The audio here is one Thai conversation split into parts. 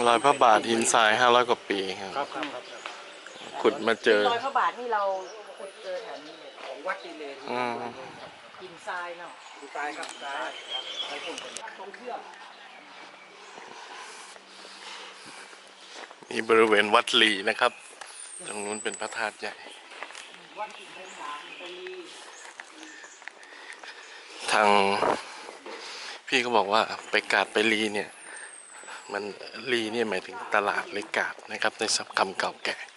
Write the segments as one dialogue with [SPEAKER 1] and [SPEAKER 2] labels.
[SPEAKER 1] รอยพระบาทหินทราย500 กว่าปีครับขุดมาเจอ
[SPEAKER 2] รอยพระบาทนี่เราขุดเจอแถวนี้เลย
[SPEAKER 3] ของวัดนี่เลย
[SPEAKER 2] หินทรายเนาะ
[SPEAKER 3] หินทรายครับทรายตรงเชือก
[SPEAKER 1] นี่บริเวณวัดลีนะครับตรงนู้นเป็นพระธาตุใหญ่ทางพี่ก็บอกว่าไปกาดไปลีเนี่ยมันลีเนี่ยหมายถึงตลาดหรือกาดนะครับในศัพท์คำเก่าแก่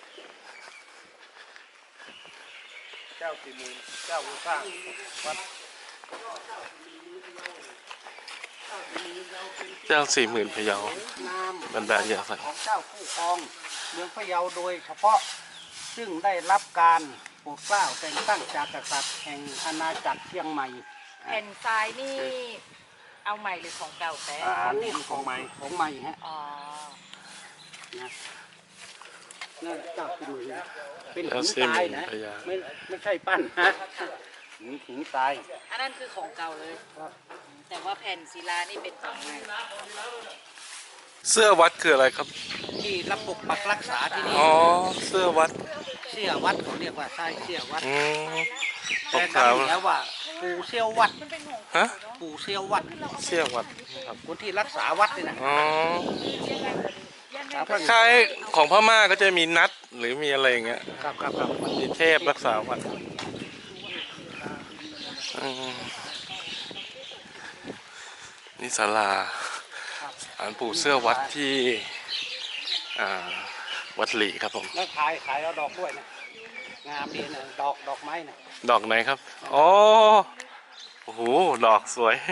[SPEAKER 3] เจ้าสี่หมื่นเจ้าผู้สร้างวัด
[SPEAKER 1] เจ้า40,000 พะเยาบรรดาญาสัตว์
[SPEAKER 3] ของเจ้าผู้ครองเมืองพะเยาโดยเฉพาะซึ่งได้รับการโปรดเกล้าแต่งตั้งจากกษัตริย์แห่งอาณาจักรเชียงใหม่
[SPEAKER 2] แผ่นทรายนี่เอาใหม่หรือของเก่าแต่
[SPEAKER 3] อันนี้ของใหม่ฮะ
[SPEAKER 2] อ๋อ
[SPEAKER 3] นะนั่นเจ้าสี่หมื่นเป็นหินทรายนะไม่ใช่ปั้นฮะหินทราย
[SPEAKER 2] อันนั้นคือของเก่าเลยแต่ว่าแผ่นศิลานี่เป็นของใหม่
[SPEAKER 1] เสื้อวัดคืออะไรครับ
[SPEAKER 3] ที่รับปกปักรักษาที่นี่
[SPEAKER 1] อ๋อเสื้อวัด
[SPEAKER 3] เขาเรียกว่าใช่เสื้อวัด
[SPEAKER 1] ตก
[SPEAKER 3] ขาวแล้วว่าปู่เซี่ยววัด
[SPEAKER 1] ฮะ
[SPEAKER 3] ปู่เซี่ยววัดครับคนที่รักษาวัดนี่นะ
[SPEAKER 1] อ๋อคล้ายของพม่าก็จะมีนัดหรือมีอะไรอย่างเงี้ย
[SPEAKER 3] ครับ
[SPEAKER 1] มีเทพรักษาวัดนี่ศาลาศาลปู่เสื้อวัดที่วัดหลีครับผม
[SPEAKER 3] แล้วขายเอาดอกด้วยนะงามดีนะดอกไม้นะ
[SPEAKER 1] ดอกไหนครับอ๋อโอ้โหดอกสวย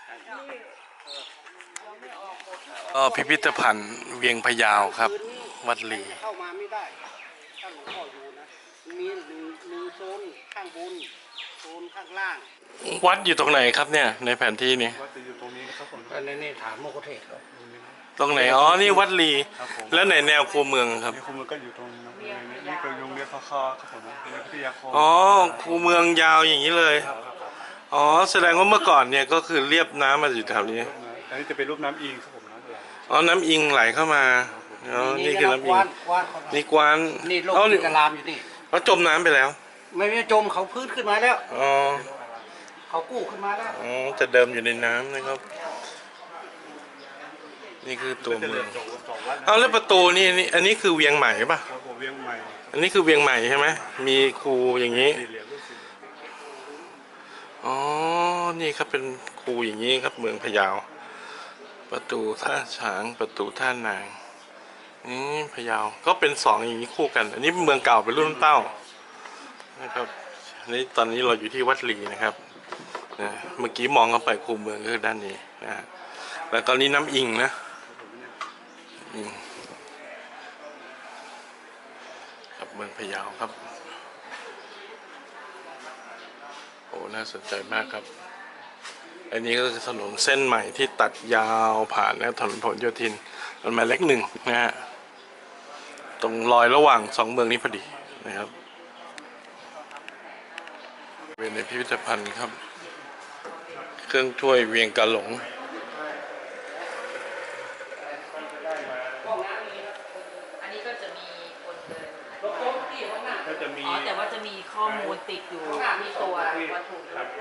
[SPEAKER 1] พิพิธภัณฑ์เวียงพะยาวครับวัดหลี
[SPEAKER 3] เข้ามาไม่ได้ถ้าหลวงพ่ออยู่นะมีหนึ่งโซนข้างบนโซนข้างล่าง
[SPEAKER 1] วัดอยู่ตรงไหนครับเนี่ยในแผนที่นี้
[SPEAKER 3] วัดอยู่ตรงนี้นะครับผมนี่ถามโมกเทศครับ
[SPEAKER 1] ตรงไหนอ๋อนี่วัดลีแล้วไหนแนวคูเมืองครับ
[SPEAKER 3] คูเมืองก็อยู่ตรงนี่คือโรงเรียนคอครับผมวิทยาคม
[SPEAKER 1] อ๋อคูเมืองยาวอย่างนี้เลยอ๋อแสดงว่าเมื่อก่อนเนี่ยก็คือเรียบน้ำมาอยู่แถวนี้
[SPEAKER 3] อันนี้จะเป็นรูปน้ำอิงครับผม
[SPEAKER 1] อ๋อน้ำอิงไหลเข้ามาอ๋อนี่คือน้ำอิงนี่กวาน
[SPEAKER 3] นี่โลกที่กระลามอยู่นี่
[SPEAKER 1] เขาจมน้ำไปแล้ว
[SPEAKER 3] ไม่จมเขาพื้นขึ้นมาแล้ว
[SPEAKER 1] อ๋อ
[SPEAKER 3] เขากู้ขึ้นมาแล้ว
[SPEAKER 1] อ๋อจะเดิมอยู่ในน้ำนะครับนี่คือตัวเมืองเอาแล้วประตูนี่อันนี้คือเวียงใหม่ป่ะ
[SPEAKER 3] เวียงใหม่
[SPEAKER 1] อันนี้คือเวียงใหม่ใช่ไหมมีคูอย่างนี้อ๋อนี่ครับเป็นคูอย่างนี้ครับเมืองพะเยาประตูท่าช้างประตูท่านางนี่พะเยาก็เป็น2อย่างนี้คู่กันอันนี้เมืองเก่าเป็นรุ่นเต้านะครับนี่ตอนนี้เราอยู่ที่วัดลีนะครับนะเมื่อกี้มองเข้าไปคูเมืองก็คือด้านนี้นะแล้วตอนนี้น้ำอิงนะครับเมืองพะเยาครับโอ้น่าสนใจมากครับอันนี้ก็คือถนนเส้นใหม่ที่ตัดยาวผ่านนะถนนพหลโยธินมันหมายเลข1นะฮะตรงรอยระหว่าง2เมืองนี้พอดีนะครับเป็นในพิพิธภัณฑ์ครับเครื่องถ้วยเวียงกะหลง
[SPEAKER 2] อันนี้ก็จะมีคนเดินอ๋อแต่ว่าจะมีข้อมูลติดอยู่ที่ตัววัตถุ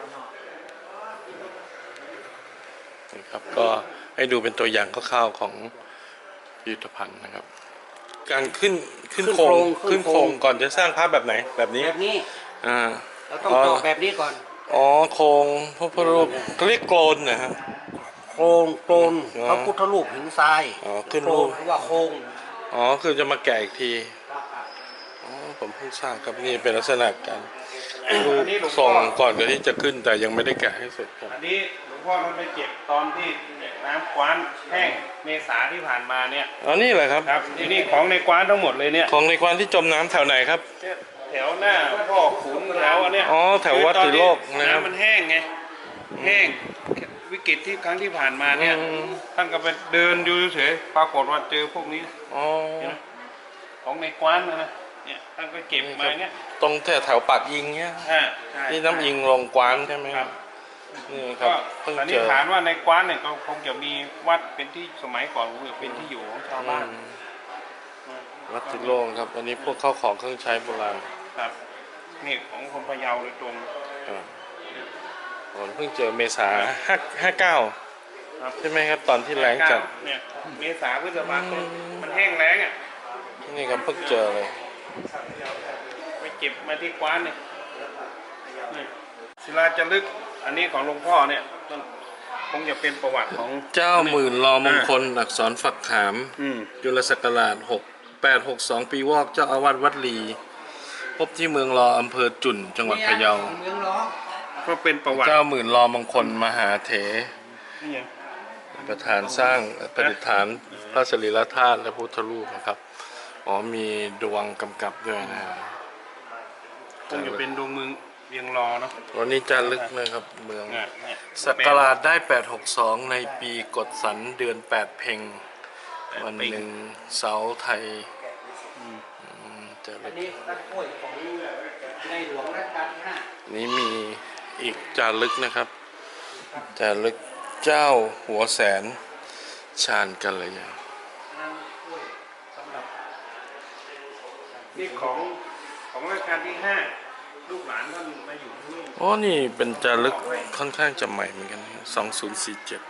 [SPEAKER 1] นะครับก็ให้ดูเป็นตัวอย่างคร่าวๆของพิพิธภัณฑ์นะครับการขึ้นโครงก่อนจะสร้างภาพแบบไหนแบบนี้
[SPEAKER 3] เราต้องเจาะแบบนี้ก่อน
[SPEAKER 1] อ๋อโครงพระพุทธรูปเขาเรียกโกลนนะครับ
[SPEAKER 3] โครงพระพุทธรูปหินทราย
[SPEAKER 1] อ๋อขึ้นรูป
[SPEAKER 3] ว่าโครง
[SPEAKER 1] อ๋อคือจะมาแกะอีกทีอ๋อผมเพิ่งทราบครับนี่เป็นลักษณะการรูปทรงก่อนที่จะขึ้นแต่ยังไม่ได้แกะให้เสร็จครับ
[SPEAKER 3] อันนี้หลวงพ่อท่านไปเก็บตอนที่น้ำกว้านแห้งเมษาที่ผ่านมาเนี่ย
[SPEAKER 1] อ๋อนี่แหละครับ
[SPEAKER 3] ครับนี่ของในกว้านทั้งหมดเลยเนี่ย
[SPEAKER 1] ของในกว้านที่จมน้ำแถวไหนครับ
[SPEAKER 3] แถวหน้าพ่อขุนแถวอันเนี้ย
[SPEAKER 1] อ๋อแถววัดติโลก
[SPEAKER 3] นะครับมันแห้งไงแห้งวิกฤตที่ครั้งที่ผ่านมาเนี่ยท่านก็ไปเดินอยู่เฉยปรากฏว่าเจอพวกนี้
[SPEAKER 1] อ๋อ
[SPEAKER 3] ของในกว้านนะเนี่ยท่านก็เก็บมาเนี่ย
[SPEAKER 1] ตรงแถวปากยิงเนี่ยนี่น้ำยิงลงกว้านใช่ไหมครับนี่ครั
[SPEAKER 4] ก็
[SPEAKER 1] บเพิ่ง
[SPEAKER 4] สัน
[SPEAKER 1] เจ
[SPEAKER 4] นิษ
[SPEAKER 1] อ
[SPEAKER 4] ฐานว่าในกว้านเนี่ยก็คงจะมีวัดเป็นที่สมัยก่อนคงจะเป็นที่อยู่ของชาวบ้าน
[SPEAKER 1] วัดติโล่งครับ อันนี้พวกข้าวของเครื่องใช้โบราณ
[SPEAKER 4] ครับนี่ของคนพะเยาโดยตรง
[SPEAKER 1] ครับผมเพิ่งเจอเมษา59
[SPEAKER 4] ครับ
[SPEAKER 1] ใช่ไหมครับ ตอนที่แรงจัด
[SPEAKER 4] เนี่ยเมษาพฤษภาคมมันแห้งแล้งอ่ะ
[SPEAKER 1] นี่ครับเพิ่งเจอเลย
[SPEAKER 4] ไปเก็บมาที่กว้านเนี่ยนี่ศิลาจารึกอันนี้ของหลวงพ่อเนี่ยคงจะเป็นประวัติของ
[SPEAKER 1] เจ้าหมื่นรอมงคลอักษรฝักขาม
[SPEAKER 4] อืม
[SPEAKER 1] จุลศักราช6862 ปีวอกเจ้าอาวาสวัดลี พบที่เมืองรออำเภอจุ่น จังหวัดพะเยา
[SPEAKER 3] เมืองร้อง
[SPEAKER 4] ก็เป็นประวัติ
[SPEAKER 1] เจ้าหมื่นรอมงคลมหาเถ
[SPEAKER 4] นี่ไง
[SPEAKER 1] ประธานสร้างประดิษฐานพระสรีระธาตุและพุทธรูปนะครับ อ๋อมีดวงกำกับด้วยนะ
[SPEAKER 4] คงจะเป็นดวงเมืองเวียงรอเนาะ
[SPEAKER 1] วันนี้จะลึกนะครับเมือง
[SPEAKER 4] เนี่ย
[SPEAKER 1] ศักราชได้ 862 ในปีกฎสันเดือน 8 เพ็งวันหนึ่งเสาไทยจะลึ
[SPEAKER 3] อัน
[SPEAKER 1] ก
[SPEAKER 3] นี้ต้นกล้วยของในหลวงรัชกาลที่ 5
[SPEAKER 1] นี้มีอีกจารึกนะครับจารึกเจ้าหัวแสนชาญกัลยา
[SPEAKER 4] นี่ของรัชกาลที่ 5 ลูกหลานท่านมาอยู่ที่นี่
[SPEAKER 1] อ๋อนี่เป็นจารึกค่อนข้างจะใหม่เหมือนกันนะครับ2047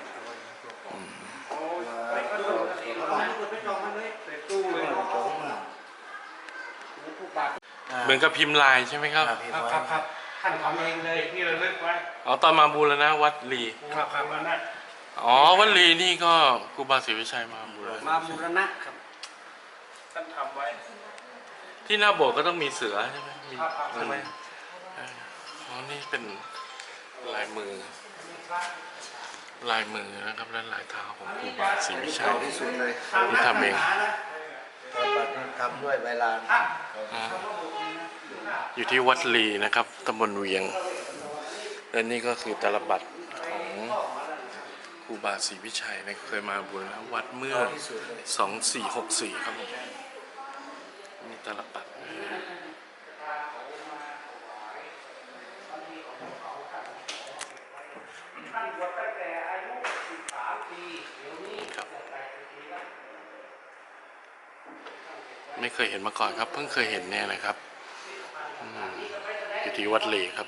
[SPEAKER 1] เหมือนกับพิมพ์ลายใช่ไหมครับ
[SPEAKER 3] ครับท่านทำเองเลย
[SPEAKER 4] ที่ระลึกไว้
[SPEAKER 1] อ๋อตอนมาบูรณะวัดลี
[SPEAKER 4] ครับแล้วนะ
[SPEAKER 1] อ๋อวัดลีนี่ก็ครูบาศรีวิชัยมาบูร
[SPEAKER 3] มา
[SPEAKER 1] ณะ
[SPEAKER 3] บูรณะครับ
[SPEAKER 4] ท่านทำไว้
[SPEAKER 1] ที่หน้าโบสถ์ก็ต้องมีเสือใช่ไหมมี
[SPEAKER 3] ใช่ไหม
[SPEAKER 1] อ๋อนี่เป็นลายมือนะครับและลายเท้าของครูบาศรีวิชัย
[SPEAKER 3] ที่สุดเลย
[SPEAKER 1] ที่ทำเอง
[SPEAKER 3] ทำด้วยใบลาน
[SPEAKER 1] อ่าอยู่ที่วัดลีนะครับตำบลเวียง และนี่ก็คือตาลบัตรของครูบาศรีวิชัยนะเคยมาบูรณะวัดเมื่อ 2464 ครับผมนี่ตาลบัตรครับไม่เคยเห็นมาก่อนครับ เพิ่งเคยเห็นเนี่ยนะครับอยู่ที่วัดลีครับ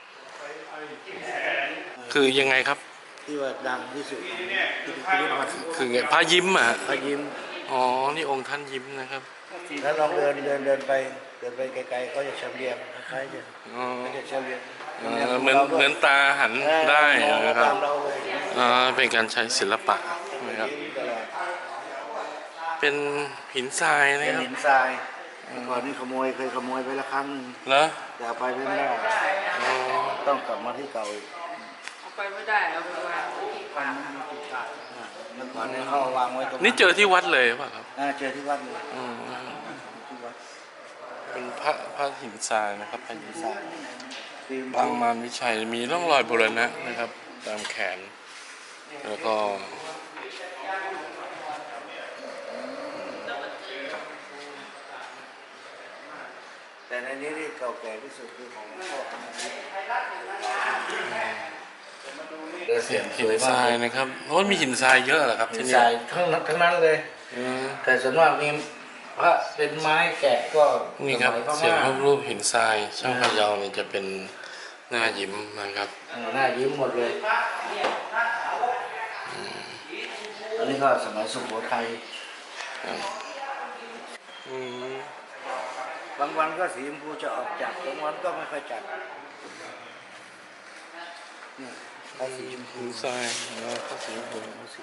[SPEAKER 1] คือยังไงครับ
[SPEAKER 3] ที่ว่าดังที่สุดของพิพิธภัณฑ์
[SPEAKER 1] คือไงพระยิ้มอ่ะ
[SPEAKER 3] พระยิ้ม
[SPEAKER 1] อ๋อ นี่องค์ท่านยิ้มนะครับ
[SPEAKER 3] แล้วลองเดินไปไกลๆเขาจะเฉลียงคล้ายๆจะ
[SPEAKER 1] อ๋อ
[SPEAKER 3] เขาจะเฉลียง
[SPEAKER 1] เหมือนตาหันได้นะครับ
[SPEAKER 3] ตามเราเลย
[SPEAKER 1] เป็นการใช้ศิลปะนะครับ เป็นหินทรายนะ
[SPEAKER 3] เป็น
[SPEAKER 1] ครับ
[SPEAKER 3] หินทรายก่อนนี้เคยขโมยไปละครั้งหนึง
[SPEAKER 1] เหรอ
[SPEAKER 3] แต่เอาไปไม่ได้
[SPEAKER 1] อ๋อ
[SPEAKER 3] ต้องกลับมาที่เก่าอีก
[SPEAKER 2] เอาไปไม่ได้เอาไปวางที่ป่า
[SPEAKER 3] เมื่อก่อนเนี่ยเขาเอาวางไว้ตรง
[SPEAKER 1] นี่เจอที่วัดเลยป่ะครับ
[SPEAKER 3] เจอที่วัดเลย
[SPEAKER 1] อืม
[SPEAKER 3] ที่วัด
[SPEAKER 1] เป็นพระหินทรายนะครับพระหินทราย
[SPEAKER 3] ฟิล์ม
[SPEAKER 1] บางมารวิชัยมีร่องรอยบูรณะนะครับ ตามแขน แล้วก็
[SPEAKER 3] แต่ในนี้ที่เก่าแก่ที่สุดคือของพ่อ
[SPEAKER 1] หินทรายนะครับโอ้มีหินทรายเยอะเหรอครับ
[SPEAKER 3] หิ
[SPEAKER 1] ที่
[SPEAKER 3] น
[SPEAKER 1] นี่
[SPEAKER 3] ทรายทั้งนั้นเลย
[SPEAKER 1] อืม
[SPEAKER 3] แต่ส่วนมากมีพระเป็นไม้แกะก็
[SPEAKER 1] นี่ครับ
[SPEAKER 3] สมัยพ
[SPEAKER 1] เสียง
[SPEAKER 3] ม่า
[SPEAKER 1] รูปหินทรายช่างพะเยาเนี่ยจะเป็นหน้ายิ้มนะครับ
[SPEAKER 3] หน้ายิ้มหมดเลยอันนี้ก็สมัยสุโขทัย
[SPEAKER 1] อืม
[SPEAKER 3] บางวันก็สีชมพูจะออกจัดบางวันก็ไม่ค่อยจัดนี่ถ้าสีชมพู
[SPEAKER 1] หินทรายแล้วก็สีชมพู
[SPEAKER 3] สี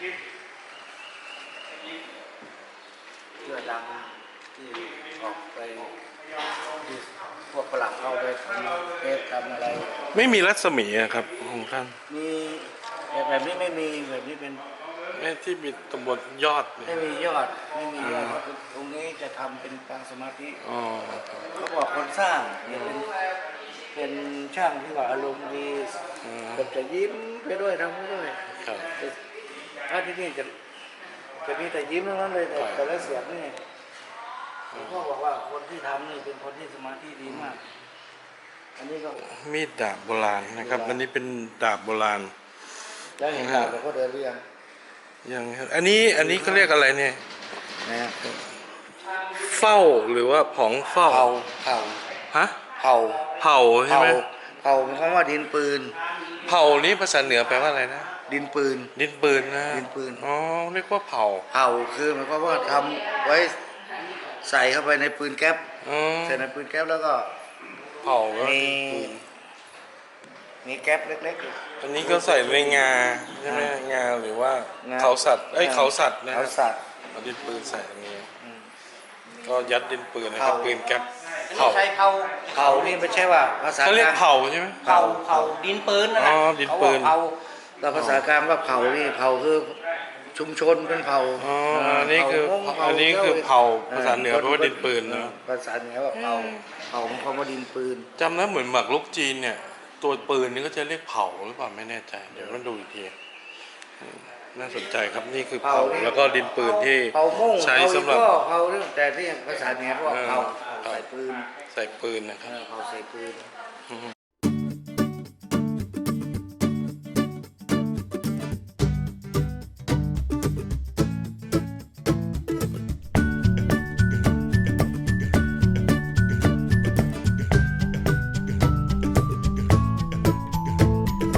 [SPEAKER 3] เสื้อดำที่ออกไปที่พวกฝรั่งเข้าไปทำเทปทำอะไร
[SPEAKER 1] ไม่มีรัศมีอะครับของท่าน
[SPEAKER 3] มีแบบนี้ไม่มีแบบนี้เป็น
[SPEAKER 1] แม่ที่มีตำบลยอดเนี่
[SPEAKER 3] ไม่
[SPEAKER 1] ย
[SPEAKER 3] มียอดไม่มียอดเพราะตรงนี้จะทำเป็นปางสมาธิ
[SPEAKER 1] อ๋อครับ
[SPEAKER 3] เขาบอกคนสร้างเนี่ยเป็นช่างที่ว่าอารมณ์ดี
[SPEAKER 1] อืม
[SPEAKER 3] แบบจะยิ้มไปด้วยทำไปด้วย
[SPEAKER 1] ครับ
[SPEAKER 3] ถ้าที่นี่จะมีแต่ยิ้มทั้งนั้นเลยแต่ละเสียงนี่หลวงพ่อบอกว่าคนที่ทำนี่เป็นคนที่สมาธิดีมากอันนี้ก็
[SPEAKER 1] มีดดาบโบราณนะครับอันนี้เป็นดาบโบราณ
[SPEAKER 3] แล้วเห็นดาบเราก็เดินเรียง
[SPEAKER 1] ยังอันนี้เขาเรียกอะไรเนี่ย
[SPEAKER 3] นะฮะ
[SPEAKER 1] เฝ้าหรือว่าผองเฝ้า
[SPEAKER 3] เผา
[SPEAKER 1] ฮะ
[SPEAKER 3] เผา
[SPEAKER 1] เผาใช่ไหม
[SPEAKER 3] เผาหมายความว่าดินปืน
[SPEAKER 1] เผานี้ภาษาเหนือแปลว่าอะไรนะ
[SPEAKER 3] ดินปืน
[SPEAKER 1] ดินปืนนะ
[SPEAKER 3] ดินปืน
[SPEAKER 1] อ๋อเรียกว่าเผา
[SPEAKER 3] เผาคือหมายความว่าทำไว้ใส่เข้าไปในปืนแก๊ป
[SPEAKER 1] อ๋อ
[SPEAKER 3] ใส่ในปืนแก๊ปแล้วก็
[SPEAKER 1] เผาก็
[SPEAKER 3] มีมีแก๊ปเล็ก
[SPEAKER 1] อันนี้ก็ใส่ในงาใช่ไหมงาหรือว่าง
[SPEAKER 3] า
[SPEAKER 1] เขาสัตว์เขาสัตว์
[SPEAKER 3] ๆ
[SPEAKER 1] นะ
[SPEAKER 3] เขาสัตว์
[SPEAKER 1] เอาดินปืนใส่ตรงนี้ก็ยัดดินปืนนะครับ
[SPEAKER 3] เผา
[SPEAKER 1] ปืนแก๊ป
[SPEAKER 2] อัน
[SPEAKER 1] เผา
[SPEAKER 2] นี้ใช้เผา
[SPEAKER 3] เผานี่ไม่ใช่ว่าภาษา
[SPEAKER 1] เขาเรียก
[SPEAKER 3] กลาง
[SPEAKER 1] เผาใช่ไหม
[SPEAKER 2] เผาดินปืนนะ
[SPEAKER 1] อ๋
[SPEAKER 2] นะ
[SPEAKER 1] อดินปืน
[SPEAKER 2] เขาบอกเผา
[SPEAKER 3] เราภาษากลางว่าเผานี่เผาคือชุมชนเป็นเผา
[SPEAKER 1] อ๋ออันนี้คือ
[SPEAKER 3] เผา
[SPEAKER 1] อันนี้คือเผาภาษาเหนือแปลว่าดินปืนนะ
[SPEAKER 3] ภาษาเหนือว่าเผาเผาของคำว่าดินปืน
[SPEAKER 1] จำได้เหมือนหมากรุกจีนเนี่ย ตัวปืนนี่ก็จะเรียกเผาหรือเปล่าไม่แน่ใจ เดี๋ยวมาดูอีกทีน่าสนใจครับนี่คือเผา
[SPEAKER 3] เผานี่
[SPEAKER 1] แล้วก็ดินปืนที่
[SPEAKER 3] เผามุ่ง
[SPEAKER 1] ใช้
[SPEAKER 3] เผา
[SPEAKER 1] สำหรับ
[SPEAKER 3] ก็เผาเรื่องแต่ที่ภาษาเหนือเขาว่าเผา
[SPEAKER 1] เออ
[SPEAKER 3] ใส่ปืน
[SPEAKER 1] ใส่ปืนนะครับ
[SPEAKER 3] เผาใส่ปืน